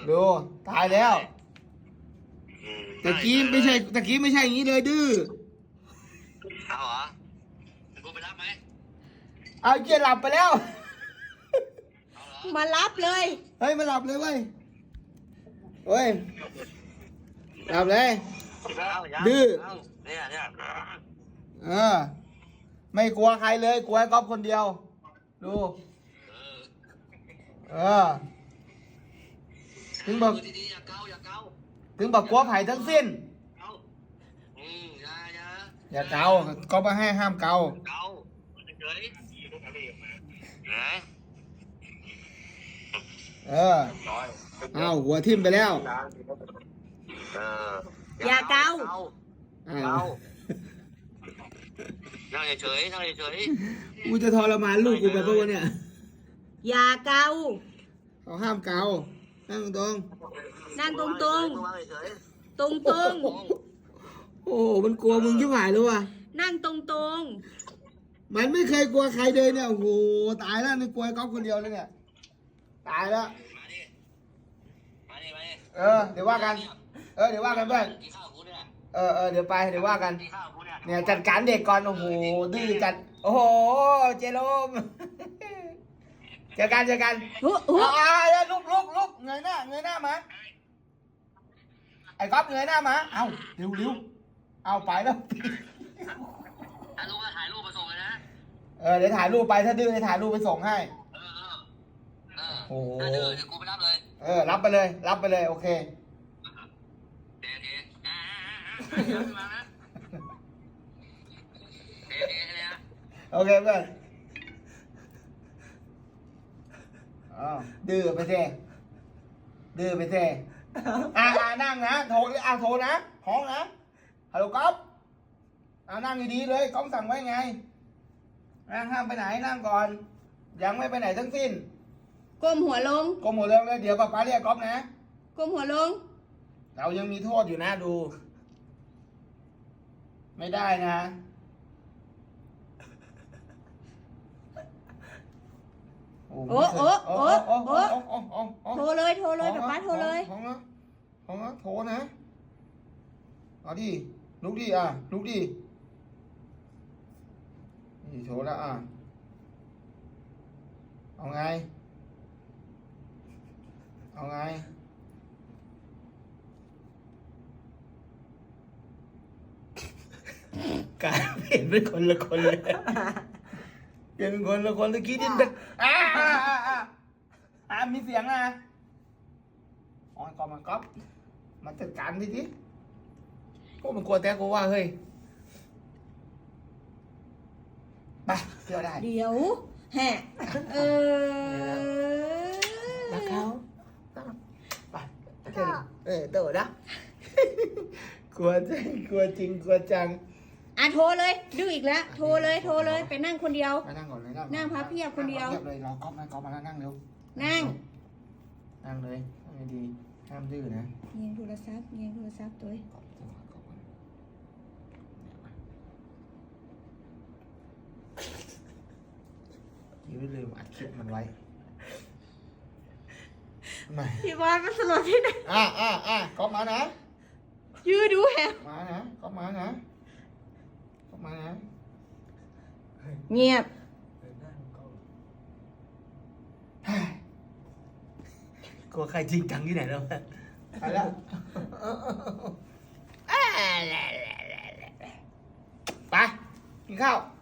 ดูตายแล้วตะกี้ไม่ใช่อย่างนี้เลยดื้อเอาเหรอกูไปรับไหมเอาเกียร์หลับไปแล้วมารับเลยเฮ้ยมาหลับเลยเว้ยเฮ้ยหลับเลยดื้อเนี่ยไม่กลัวใครเลยกลัวไอ้ก๊อฟคนเดียวดูถึงบอกดีๆอย่าเกาถึงบอกกลัวไผ่ทั้งสิ้นอย่าเกาก็มาให้ห้ามเกาเฉยเอาหัวทิ่มไปแล้วอย่าเกานั่งเฉยกูจะทรมานลูกกูไปเพราะว่าเนี่ยอย่าเกาเขาห้ามเกานั่งตรงนั่งตรงตรงโอ้มันกลัวมึงยิ่งหายเลยว่ะนั่งตรงมันไม่เคยกลัวใครเลยเนี่ยโอ้โหตายแล้วนี่กลัวก๊อฟคนเดียวเลยเนี่ยตายแล้วมาดิเดี๋ยวว่ากันเดี๋ยวว่ากันเพื่อนเดี๋ยวไปเดี๋ยวว่ากันเนี่ยจัดการเด็กก่อนโอ้โหดื้อจัดโอ้โหเจโรมเจอกันลุกเงยหน้ามาไอ้ก๊อฟเงยหน้ามาเอาเร็วเอาไปแล้วถ้าลูกก็ถ่ายรูปมาส่งเลยนะเดี๋ยวถ่ายรูปไปถ้าดื้อให้ถ่ายรูปไปส่งให้โอ้โหถ้าดื้อเดี๋ยวกูไปรับเลยรับไปเลยโอเคโอเคเพื่อนดื้อไปเซ่นั่งนะโทรนะห้องนะฮัลโหลก๊อฟนั่งดีๆเลยก๊อฟสั่งไว้ไงนั่งห้ามไปไหนนั่งก่อนยังไม่ไปไหนทั้งสิ้นก้มหัวลงเลยเดี๋ยวป้าเรียกก๊อฟนะก้มหัวลงเรายังมีโทษอยู่นะดูไม่ได้นะโอ้โทรเลยป๊าโทรเลยโทรนะเอาดิลุกดินี่โทรแล้วเอาไงการเปลี่ยนเป็นคนละคนเลยเปลี่ยนเป็นคนละคนตะกี้ดินเด็กมีเสียงนะก่อนมันก๊อฟมาจัดการดิพวกมันกลัวแต่กูว่าเฮ้ยไปเที่ยวได้เดี๋ยวแฮะรักเขาไปโตนะกลัวจริงกลัวจังโทรเลยดื้ออีกแล้วโทรเลยไปนั่งคนเดียวไปนั่งก่อนเลยนั่งพับเพียบคนเดียวเลยรอก๊อฟมานั่งเร็วนั่งเลยไม่ดีห้ามดื้อนะเงียงโทรศัพท์ตัวยืดลืมอัดคลิปมันไว้พี่บอลมันสลดที่ไหนก๊อฟมานะยืดดูแฮะมานะก๊อฟมานะเงียบกลัวใครจริงจังที่ไหนแล้วไปแล้วไปกินข้าว